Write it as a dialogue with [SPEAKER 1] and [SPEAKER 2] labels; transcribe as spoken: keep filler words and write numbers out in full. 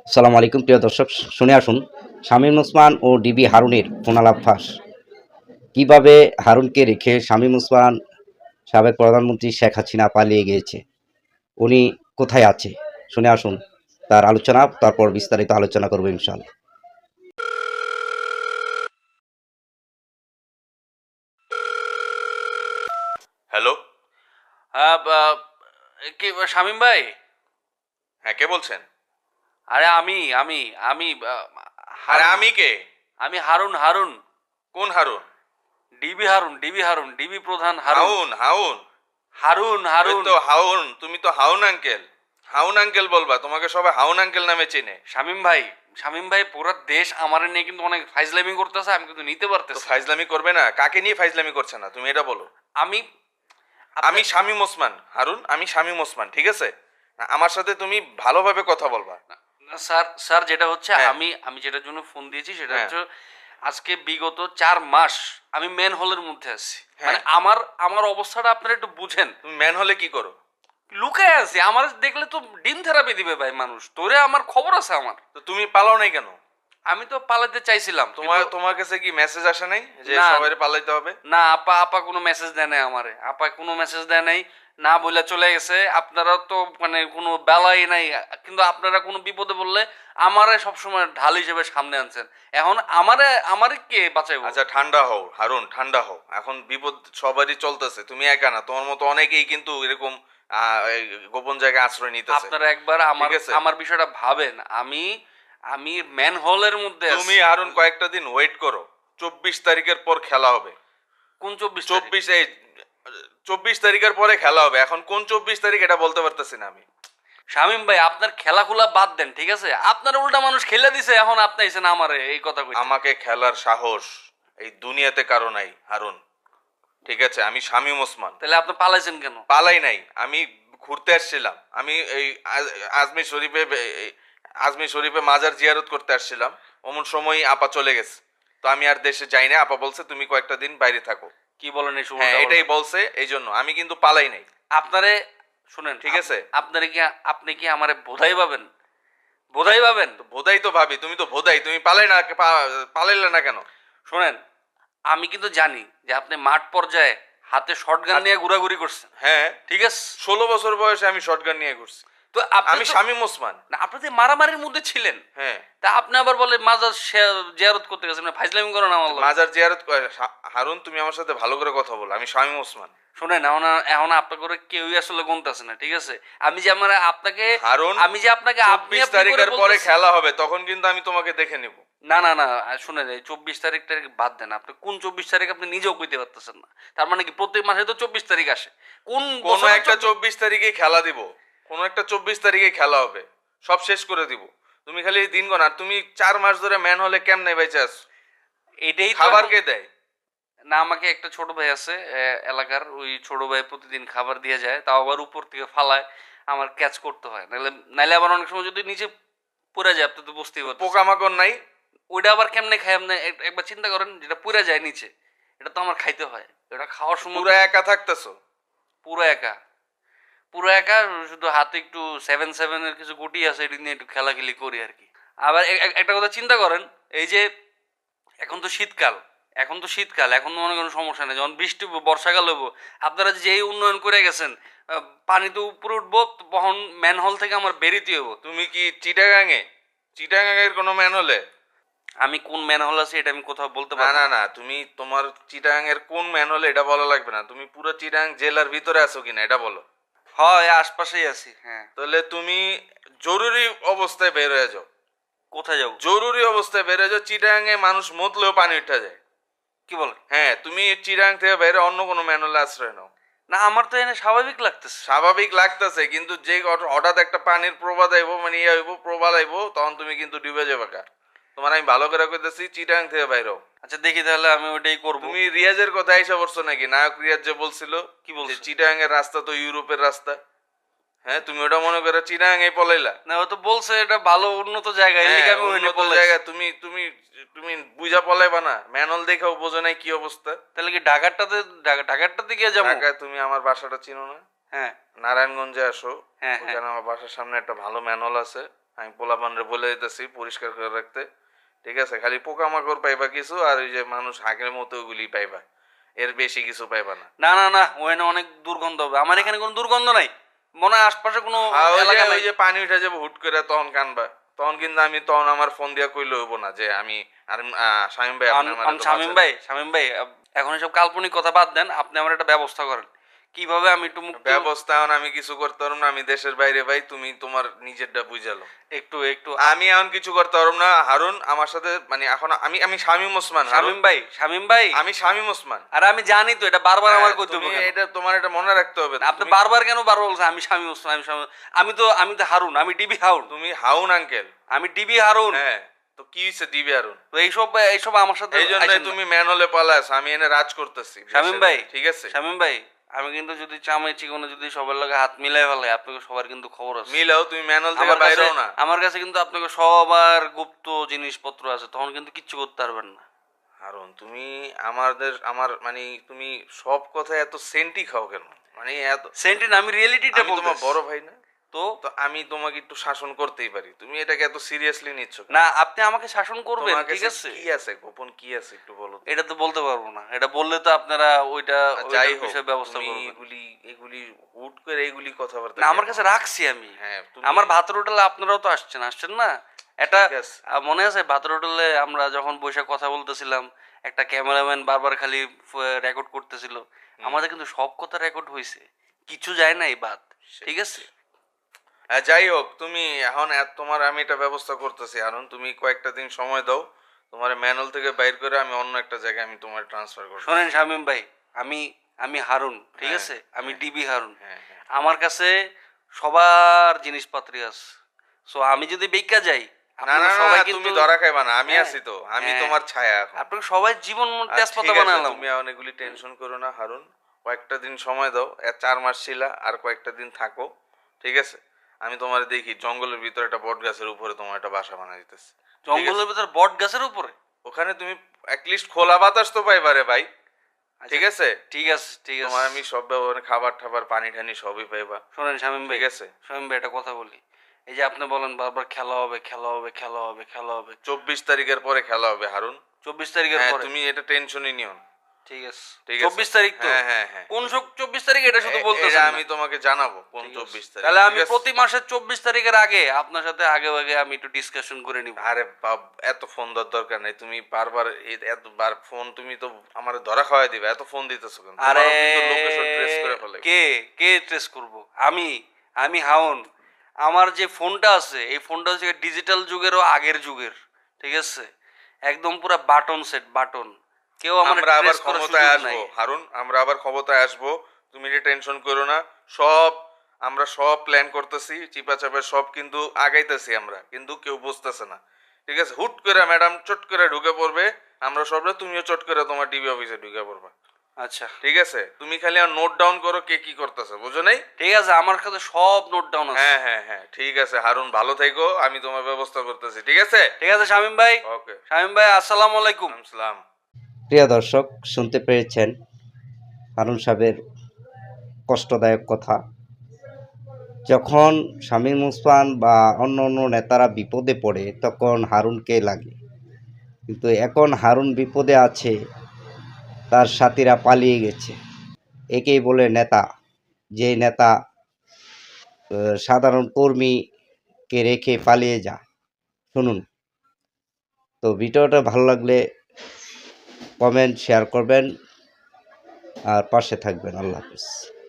[SPEAKER 1] আসসালামু আলাইকুম প্রিয় দর্শক, শুনে আসুন শামীম ওসমান ও ডিবি হারুনের ফোনালাপ ফাঁস। কিভাবে হারুনকে রেখে শামীম ওসমান সাবেক প্রধানমন্ত্রী শেখ হাসিনা পালিয়ে গিয়েছে, উনি কোথায় আছে, শুনে আসুন তার আলোচনা, তারপর বিস্তারিত আলোচনা করবো ইনশাআল্লাহ।
[SPEAKER 2] হ্যালো।
[SPEAKER 3] হ্যাঁ, বা- কি শামিম ভাই?
[SPEAKER 2] হ্যাঁ, কে বলছেন?
[SPEAKER 3] আরে আমি আমি আমি আহ,
[SPEAKER 2] আরে
[SPEAKER 3] হারুন।
[SPEAKER 2] আমি কে?
[SPEAKER 3] আমি হারুন হারুন
[SPEAKER 2] কোন Harun?
[SPEAKER 3] DB Harun DB Harun DB প্রধান হারুন।
[SPEAKER 2] হাউন হাউন
[SPEAKER 3] হারুন
[SPEAKER 2] ওই
[SPEAKER 3] হারুন
[SPEAKER 2] তো হাউন, তুমি তো হাউন আঙ্কেল। হাউন আঙ্কেল বলবা, তোমাকে সবাই হাউন আঙ্কেল নামে চেনে।
[SPEAKER 3] শামিম ভাই, শামিম ভাই, পুরো দেশ আমার নিয়ে কিন্তু অনেক ফাইজলামি করতেছে, আমি কিন্তু নিতে
[SPEAKER 2] তো
[SPEAKER 3] পারতেছি না।
[SPEAKER 2] ফাইজলামি করবে না? কাকে নিয়ে ফাইজলামি করছে না তুমি এটা বলো।
[SPEAKER 3] আমি
[SPEAKER 2] আমি
[SPEAKER 3] আপনি-
[SPEAKER 2] শামীম ওসমান হারুন, আমি শামীম ওসমান, ঠিক আছে? না, আমার সাথে তুমি ভালোভাবে কথা বলবা।
[SPEAKER 3] না, স্যার স্যার যেটা হচ্ছে,
[SPEAKER 2] হ্যাঁ।
[SPEAKER 3] আমি আমি যেটার জন্য ফোন দিয়েছি সেটা
[SPEAKER 2] হ্যাঁ।
[SPEAKER 3] হচ্ছে, আজকে বিগত চার মাস আমি ম্যান হলের মধ্যে আছি।
[SPEAKER 2] হ্যাঁ।
[SPEAKER 3] মানে আমার আমার অবস্থাটা আপনারা একটু বুঝেন।
[SPEAKER 2] তুমি ম্যান হলে কি করো?
[SPEAKER 3] লুকায় আছে, আমার দেখলে তো ডিম থেরাপি দিবে ভাই মানুষ। তোরে আমার খবর আছে আমার।
[SPEAKER 2] তো তুমি পালাও নাই কেন?
[SPEAKER 3] আমি তো পালাতে চাইছিলাম,
[SPEAKER 2] তোমার
[SPEAKER 3] কিন্তু-
[SPEAKER 2] তোমার কাছে কি মেসেজ আসে নাই যে
[SPEAKER 3] না।
[SPEAKER 2] সবাই পালাইতে হবে?
[SPEAKER 3] না, আপা আপা কোনো মেসেজ দেয় নাই আমারে। আপা কোনো মেসেজ দেয় নাই, না বলে চলে গেছে। আপনারা তো মানে কোনো বেলাই নাই, কিন্তু আপনারা কোনো বিপদে বললে আমারে সবসময় ঢাল হিসেবে সামনে আনছেন। এখন আমারে আমারে কে বাঁচাইবো?
[SPEAKER 2] আচ্ছা, ঠান্ডা হও হারুন, ঠান্ডা হও। এখন বিপদ সবারই চলতেছে, তুমি একা না, তোমার মতো অনেকেই কিন্তু এরকম আহ, এই গোপন জায়গায় আশ্রয় নিতেছে।
[SPEAKER 3] আপনারা একবার আমার
[SPEAKER 2] ঠিক আছে?
[SPEAKER 3] আমার বিষয়টা ভাবেন। আমি আমি ম্যান হলের মধ্যে আছি।
[SPEAKER 2] তুমি হারুন কয়েকটা দিন ওয়েট করো। চব্বিশ তারিখের পর খেলা হবে।
[SPEAKER 3] কোন চব্বিশ?
[SPEAKER 2] চব্বিশ এই চব্বিশ তারিখের পরে খেলা হবে। এখন কোন চব্বিশ তারিখ এটা বলতে পারতেছি না আমি।
[SPEAKER 3] শামিম ভাই, আপনার খেলাখুলা বাদ দেন, ঠিক আছে? আপনার উল্টা মানুষ খেলে দিছে, এখন আপনি এসেন আমারে এই কথা কইতে।
[SPEAKER 2] আমাকে খেলার সাহস এই দুনিয়াতে কারো নাই হারুন, ঠিক আছে? আমি শামীম ওসমান।
[SPEAKER 3] তাহলে আপনি পালাইছেন কেন?
[SPEAKER 2] পালাই নাই, আমি ঘুরতে আসছিলাম। আমি এই আজ- আজমির শরীফে এই আজমির শরীফে মাজার জিয়ারত করতে আসছিলাম। অমন সময় আপা চলে গেছে। তো আমি আর দেশে যাই না। আপা বলছে তুমি কয়েকটা দিন বাইরে থাকো।
[SPEAKER 3] কি বলেন এই
[SPEAKER 2] হ্যাঁ,
[SPEAKER 3] সময়?
[SPEAKER 2] এটাই বলছে, এই জন্য আমি কিন্তু পালাই নাই।
[SPEAKER 3] আপনারে শুনেন,
[SPEAKER 2] ঠিক আছে?
[SPEAKER 3] আপনারে কি আপনি কি আমারে বোধাই পাবেন? বোধাই পাবেন?
[SPEAKER 2] তো ভোদাই তো ভাবি, তুমি তো ভোদাই, তুমি পালাই না, পা- পালাইলে না কেন?
[SPEAKER 3] শুনেন, আমি কিন্তু জানি যে আপনি মাঠ পর্যায়ে হাতে শটগান নিয়ে ঘোরাঘুরি করছেন,
[SPEAKER 2] হ্যাঁ,
[SPEAKER 3] ঠিক আছে?
[SPEAKER 2] ষোলো বছর বয়সে আমি শটগান নিয়ে ঘুরছি।
[SPEAKER 3] তো আপনি
[SPEAKER 2] আমি
[SPEAKER 3] তো-
[SPEAKER 2] শামীম ওসমান।
[SPEAKER 3] না, আপনি তো মারামারির মধ্যে ছিলেন।
[SPEAKER 2] হ্যাঁ।
[SPEAKER 3] তা আপনি আবার বলে মাজার শে- জিয়ারত করতে গেছেন, ফাইজলামি করেন আমার লগে।
[SPEAKER 2] মাজার জিয়ারত করে- হা- হারুন, তুমি আমার সাথে ভালো করে কথা বলো। আমি শামীম ওসমান।
[SPEAKER 3] শুনেন, এখন এখন আপনার করে কেউই আসলে গুনতেছে না, ঠিক আছে? আমি যে আমার আপনাকে
[SPEAKER 2] হারুন,
[SPEAKER 3] আমি যে আপনাকে আপনি
[SPEAKER 2] চব্বিশ
[SPEAKER 3] আপনি করে
[SPEAKER 2] তারিখের পরে
[SPEAKER 3] বলতেছি-
[SPEAKER 2] খেলা হবে, তখন কিন্তু আমি তোমাকে দেখে নিব।
[SPEAKER 3] না না না, শুনেন, এই চব্বিশ তারিখ তারিখ বাদ দেন। আপনি কোন চব্বিশ তারিখ আপনি নিজেও কইতে পারতেছেন না। তার মানে কি প্রত্যেক মাসে তো চব্বিশ তারিখ আসে? কোন
[SPEAKER 2] কোন
[SPEAKER 3] বছরে
[SPEAKER 2] একটা
[SPEAKER 3] চব্বিশ-
[SPEAKER 2] চব্বিশ তারিখে খেলা দিব। কোন একটা চব্বিশ তারিখে খেলা হবে, সব শেষ করে দিব। তুমি খালি এই দিন গণ। আর তুমি চার মাস ধরে ম্যান হলে কেমনে বেঁচে আছো?
[SPEAKER 3] এটাই তো
[SPEAKER 2] খাবার
[SPEAKER 3] এখন-
[SPEAKER 2] কে দেয়?
[SPEAKER 3] না, আমাকে একটা ছোট ভাই আছে এ, এলাকার ওই ছোট ভাই প্রতিদিন খাবার দিয়ে যায়, তাও আবার উপর থেকে ফালায়, আমার ক্যাচ করতে হয়। নাহলে নাহলে আবার অনেক সময় যদি নিচে পড়ে যায়, আপনি তো বুঝতেই পারছেন।
[SPEAKER 2] পোকামাকড় নাই?
[SPEAKER 3] ওইটা আবার কেমনে খাই আপনি এক- একবার চিন্তা করেন। যেটা পুড়ে যায় নিচে, এটা তো আমার খাইতে হয়। এটা খাওয়ার সময়
[SPEAKER 2] পুরা একা থাকতেছো?
[SPEAKER 3] পুরো একা, পুরো একা। শুধু হাতে একটু সেভেন সেভেনের কিছু গুটি আছে, এটি নিয়ে একটু খেলাখেলি করি আর কি। আবার এ- এ- একটা কথা চিন্তা করেন, এই যে এখন তো শীতকাল, এখন তো শীতকাল, এখন তো মনে করেন সমস্যা নেই। যখন বৃষ্টি হবো, বর্ষাকাল হবো, আপনারা যে এই উন্নয়ন করে গেছেন, আহ, পানি তো উপরে উঠবো, তখন ম্যানহোল থেকে আমার বেরিতে হবো।
[SPEAKER 2] তুমি কি চিটাগাঙে? চিটাগাঙের কোনো ম্যান হলে?
[SPEAKER 3] আমি কোন ম্যানহোল আছে এটা আমি কোথাও বলতে
[SPEAKER 2] না
[SPEAKER 3] পারবো
[SPEAKER 2] না
[SPEAKER 3] না।
[SPEAKER 2] না, তুমি তোমার চিটাগাং এর কোন ম্যান হলে এটা বলা লাগবে না। তুমি পুরো চিটাগাং জেলার ভিতরে আছো কিনা এটা বলো।
[SPEAKER 3] হয়, আশপাশেই আছি, হ্যাঁ।
[SPEAKER 2] তাহলে তুমি জরুরি অবস্থায় বের হয়ে যাও।
[SPEAKER 3] কোথায় যাবো?
[SPEAKER 2] জরুরি অবস্থায় বের হয়ে যাও। চিটাগাং এ মানুষ মতলেও পানি উঠা যায়।
[SPEAKER 3] কি বলেন?
[SPEAKER 2] হ্যাঁ, তুমি চিটাগাং থেকে বাইরে অন্য কোনো ম্যান হলে আশ্রয় নাও।
[SPEAKER 3] না, আমার তো এনে স্বাভাবিক লাগতেছে।
[SPEAKER 2] স্বাভাবিক লাগতেছে, কিন্তু যে হঠ- হঠাৎ একটা পানির প্রবাদ আইব, মানে ইয়ে আইব, প্রবাল আইব, তখন তুমি কিন্তু ডুবে যাবে কা। তোমার আমি ভালো করে কইতেছি, চিটাগাং থেকে বাইরে হও।
[SPEAKER 3] আচ্ছা, দেখি তাহলে আমি ওইটাই করবো।
[SPEAKER 2] তুমি রিয়াজের কথা এসে পড়ছো নাকি? নায়ক রিয়াজ যে বলছিল
[SPEAKER 3] কি বলছে?
[SPEAKER 2] যে চিটাগাং এর রাস্তা তো ইউরোপের রাস্তা। হ্যাঁ, তুমি ওটা মনে করে চিটাগাং এ পলাইলা।
[SPEAKER 3] না, ও তো বলছে এটা ভালো উন্নত জায়গা, এর
[SPEAKER 2] হ্যাঁ,
[SPEAKER 3] লিগে আমি ওইখানে
[SPEAKER 2] উন্নত
[SPEAKER 3] পলাইছি।
[SPEAKER 2] জায়গা। তুমি তুমি তুমি বুঝা পলাইবা না? ম্যানল দেখাও বোঝো নাই কি অবস্থা।
[SPEAKER 3] তাহলে কি ঢাকারটাতে ঢাকা- ঢাকারটাতে গিয়ে যাবো?
[SPEAKER 2] ঢাকায় তুমি আমার বাসাটা চিনো না?
[SPEAKER 3] হ্যাঁ
[SPEAKER 2] নারায়ণগঞ্জে আসো,
[SPEAKER 3] হ্যাঁ হ্যাঁ।
[SPEAKER 2] ওখানে আমার বাসার সামনে একটা ভালো ম্যানহোল আছে। আমি পোলাপানরে বলে দিতেছি পরিষ্কার করে রাখতে, ঠিক আছে? খালি পোকামাকড় পাইবা কিছু, আর ওই যে মানুষ হাঁকের মতো ওগুলি পাইবা, এর বেশি কিছু পাইবা না।
[SPEAKER 3] না না না, ওখানে অনেক দুর্গন্ধ হবে। আমার এখানে কোনো দুর্গন্ধ নাই, মনে হয় আশপাশে কোনো
[SPEAKER 2] হ্যাঁ, ওই যে
[SPEAKER 3] এলাকা
[SPEAKER 2] ওই
[SPEAKER 3] নাই।
[SPEAKER 2] যে পানি উঠে যাবে হুট করে, তখন কানবা। তখন কিন্তু আমি তখন আমার ফোন দিয়া কইলে হইব না যে আমি আর আহ, শামীম ভাই আপনি
[SPEAKER 3] আম-
[SPEAKER 2] আমার
[SPEAKER 3] আম- শামীম ভাই, শামীম ভাই, আপ- এখন এসব কাল্পনিক কথা বাদ দেন, আপনি আমার একটা ব্যবস্থা করেন কিভাবে আমি একটু মুক্ত,
[SPEAKER 2] ব্যবস্থা এখন আমি কিছু করতে পারবো না, আমি দেশের বাইরে ভাই, তুমি তোমার নিজেরটা বুঝালো।
[SPEAKER 3] একটু একটু
[SPEAKER 2] আমি এখন কিছু করতে পারবো না হারুন, আমার সাথে মানে এখন আমি আমি শামীম ওসমান হারুন,
[SPEAKER 3] শামীম ভাই, শামীম ভাই,
[SPEAKER 2] আমি শামীম ওসমান।
[SPEAKER 3] আর আমি জানি তো এটা বারবার আমার
[SPEAKER 2] হ্যাঁ,
[SPEAKER 3] কইতে হবে
[SPEAKER 2] তুমি
[SPEAKER 3] কেন?
[SPEAKER 2] এটা তোমার এটা মনে রাখতে হবে।
[SPEAKER 3] আপনি
[SPEAKER 2] তুমি
[SPEAKER 3] বারবার কেন বারবার বলছেন আমি শামীম ওসমান, আমি শামীম, আমি তো আমি তো হারুন, আমি ডিবি হারুন,
[SPEAKER 2] তুমি হাউন আঙ্কেল।
[SPEAKER 3] আমি ডিবি হারুন।
[SPEAKER 2] হ্যাঁ, তো কি হইছে দিবে হারুন?
[SPEAKER 3] তো এইসব এইসব আমার সাথে
[SPEAKER 2] এই জন্য
[SPEAKER 3] আইসেন না।
[SPEAKER 2] তুমি ম্যানহোলে পালাস, আমি এনে রাজ করতেছি
[SPEAKER 3] শামীম
[SPEAKER 2] দেশের
[SPEAKER 3] ভাই,
[SPEAKER 2] বাইরে, ঠিক আছে?
[SPEAKER 3] শামীম ভাই, আমি কিন্তু যদি চামাই চিকনে যদি সবার লগে হাত মিলাই ফেলে, আপনাকে সবার কিন্তু খবর আছে।
[SPEAKER 2] মিলাও, তুমি ম্যানহোল থেকে
[SPEAKER 3] আমার কাছে
[SPEAKER 2] বাইরেও না।
[SPEAKER 3] আমার কাছে কিন্তু আপনাকে সবার গুপ্ত জিনিসপত্র আছে, তখন কিন্তু কিচ্ছু করতে পারবেন না।
[SPEAKER 2] হারুন, তুমি আমাদের আমার মানে তুমি সব কথা এত সেন্টি খাও কেন? মানে এত,
[SPEAKER 3] সেন্টিন, আমি রিয়েলিটিটা
[SPEAKER 2] আমি তোমার
[SPEAKER 3] বলতেছি।
[SPEAKER 2] বড় ভাই না?
[SPEAKER 3] তো
[SPEAKER 2] তো আমি তোমাকে একটু শাসন করতেই পারি, তুমি এটাকে এত সিরিয়াসলি নিচ্ছ কেন?
[SPEAKER 3] না, আপনি আমাকে শাসন করবেন,
[SPEAKER 2] তোমার
[SPEAKER 3] ঠিক
[SPEAKER 2] কাছে
[SPEAKER 3] আছে?
[SPEAKER 2] কি আছে, গোপন কি আছে একটু বলো তো।
[SPEAKER 3] এটা তো বলতে পারবো না, এটা বললে তো আপনারা ওইটা
[SPEAKER 2] আর যাই
[SPEAKER 3] ওইটার
[SPEAKER 2] হোক,
[SPEAKER 3] বিষয়ে ব্যবস্থা
[SPEAKER 2] তুমি
[SPEAKER 3] করবেন।
[SPEAKER 2] এগুলি এগুলি হুট করে এগুলি কথাবার্তা
[SPEAKER 3] না, আমার
[SPEAKER 2] কেন?
[SPEAKER 3] কাছে রাখছি আমি।
[SPEAKER 2] হ্যাঁ, তুমি-
[SPEAKER 3] আমার ভাতের হোটেলে আপনারাও তো আসছেন, আসছেন না? এটা
[SPEAKER 2] ঠিক আছে।
[SPEAKER 3] আহ, মনে আছে ভাতের হোটেলে আমরা যখন বসে কথা বলতেছিলাম, একটা ক্যামেরাম্যান বারবার খালি রেকর্ড করতেছিল, আমাদের কিন্তু সব কথা রেকর্ড হয়েছে, কিছু যায় না এই বাদ, ঠিক আছে?
[SPEAKER 2] হ্যাঁ, যাই হোক, তুমি এখন এত- তোমার আমি এটা ব্যবস্থা করতেছি হারুন, তুমি কয়েকটা দিন সময় দাও, তোমার ম্যানুয়াল থেকে বাইর করে আমি অন্য একটা জায়গায় আমি তোমার ট্রান্সফার করব।
[SPEAKER 3] শোনেন শামীম ভাই, আমি আমি হারুন, ঠিক
[SPEAKER 2] হ্যাঁ,
[SPEAKER 3] আছে? আমি
[SPEAKER 2] হ্যাঁ।
[SPEAKER 3] ডিবি হারুন।
[SPEAKER 2] হ্যাঁ, হ্যাঁ।
[SPEAKER 3] আমার কাছে সবার জিনিসপত্রই আছে, সো আমি যদি বেকা যাই,
[SPEAKER 2] না
[SPEAKER 3] আপনারা
[SPEAKER 2] না না,
[SPEAKER 3] সবাই
[SPEAKER 2] না,
[SPEAKER 3] কিন্তু
[SPEAKER 2] তুমি ধরা খাইবা না, আমি
[SPEAKER 3] হ্যাঁ,
[SPEAKER 2] আছি তো, আমি
[SPEAKER 3] হ্যাঁ।
[SPEAKER 2] তোমার ছায়া এখন।
[SPEAKER 3] আপনাকে সবাই জীবন
[SPEAKER 2] আর
[SPEAKER 3] তেজপাতা
[SPEAKER 2] ঠিক আছে,
[SPEAKER 3] বানালাম।
[SPEAKER 2] তুমি এখন এগুলি টেনশন করো না হারুন, কয়েকটা দিন সময় দাও, এ- চার মাস ছিলা, আর কয়েকটা দিন থাকো, ঠিক আছে? আমি তোমার দেখি জঙ্গলের ভিতরে একটা বট গাছের উপরে তোমার একটা বাসা বানাই দিতেছি।
[SPEAKER 3] জঙ্গলের ভিতর বট গাছের উপরে?
[SPEAKER 2] ওখানে তুমি অ্যাটলিস্ট খোলা বাতাস তো পাইবা রে ভাই, ঠিক আছে?
[SPEAKER 3] ঠিক আছে, ঠিক আছে।
[SPEAKER 2] তোমার আমি সব ব্যবহার, খাবার টাবার পানি টানি সবই পাইবা,
[SPEAKER 3] শোনেন শামীম ভাই,
[SPEAKER 2] ঠিক আছে?
[SPEAKER 3] শামীম ভাই একটা কথা বলি, এই যে আপনি বলেন বারবার খেলা হবে, খেলা হবে, খেলা হবে, খেলা হবে,
[SPEAKER 2] চব্বিশ তারিখের পরে খেলা হবে হারুন।
[SPEAKER 3] চব্বিশ তারিখের
[SPEAKER 2] হ্যাঁ,
[SPEAKER 3] পরে?
[SPEAKER 2] তুমি এটা টেনশনই নিও না।
[SPEAKER 3] ঠিক আছে,
[SPEAKER 2] ঠিক আছে।
[SPEAKER 3] চব্বিশ তারিখ তো?
[SPEAKER 2] হ্যাঁ, হ্যাঁ, হ্যাঁ।
[SPEAKER 3] কোন চব্বিশ তারিখ এটা শুধু
[SPEAKER 2] এ-
[SPEAKER 3] বলতেছেন
[SPEAKER 2] এটা
[SPEAKER 3] না।
[SPEAKER 2] আমি তোমাকে জানাবো কোন
[SPEAKER 3] ঠিক আছে।
[SPEAKER 2] চব্বিশ তারিখ,
[SPEAKER 3] তাহলে আমি
[SPEAKER 2] ঠিক আছে?
[SPEAKER 3] প্রতি মাসের চব্বিশ তারিখের আগে আপনার সাথে আগে আগে আমি একটু ডিসকাশন করে নিব।
[SPEAKER 2] আরে বাপ, এত ফোন দেওয়ার দরকার নেই, তুমি বারবার এই- এতবার ফোন, তুমি তো আমার ধরা খাওয়াই দিবে, এত ফোন দিতেছো কেন?
[SPEAKER 3] আরে
[SPEAKER 2] তোমারও কিন্তু লোকেশন ট্রেস করে ফেলে।
[SPEAKER 3] কে কে ট্রেস করব? আমি আমি হাউন, আমার যে ফোনটা আছে এই ফোনটা হচ্ছে ডিজিটাল যুগেরও আগের যুগের, ঠিক আছে? একদম পুরো বাটন সেট, বাটন, কেউ আমার
[SPEAKER 2] আমরা আবার
[SPEAKER 3] ট্রেস করার
[SPEAKER 2] ক্ষমতায়
[SPEAKER 3] সুযোগ
[SPEAKER 2] আসবো
[SPEAKER 3] নাই।
[SPEAKER 2] হারুন, আমরা আবার ক্ষমতায় আসবো, তুমি এটা টেনশন করো না। সব আমরা সব প্ল্যান করতেছি, চিপা চাপা সব কিন্তু আগাইতেছি আমরা, কিন্তু কেউ বুঝতেছে না, ঠিক আছে? হুট করে ম্যাডাম চট করে ঢুকে পড়বে, আমরা সবরা, তুমিও চট করে তোমার ডিবি অফিসে ঢুকে পড়বা,
[SPEAKER 3] আচ্ছা
[SPEAKER 2] ঠিক আছে? তুমি খালি আর নোট ডাউন করো কে কি করতেছে, বুঝো নাই?
[SPEAKER 3] ঠিক আছে, আমার কাছে সব নোট ডাউন আছে।
[SPEAKER 2] হ্যাঁ হ্যাঁ হ্যাঁ, ঠিক আছে হারুন, ভালো থেকো, আমি তোমার ব্যবস্থা করতেছি, ঠিক আছে?
[SPEAKER 3] ঠিক আছে শামীম ভাই,
[SPEAKER 2] ওকে,
[SPEAKER 3] শামীম ভাই আসসালামু আলাইকুম।
[SPEAKER 2] আসসালাম।
[SPEAKER 1] প্রিয় দর্শক, শুনতে পেরেছেন হারুন সাহেবের কষ্টদায়ক কথা। যখন শামীম ওসমান বা অন্য অন্য নেতারা বিপদে পড়ে তখন হারুনকে লাগে, কিন্তু এখন হারুন বিপদে আছে, তার সাথীরা পালিয়ে গেছে। একেই বলে নেতা, যে নেতা আহ, সাধারণ কর্মীকে রেখে পালিয়ে যায়। শুনুন তো, ভিডিওটা ভালো লাগলে কমেন্ট শেয়ার করবেন আর পাশে থাকবেন। আল্লাহ হাফিজ।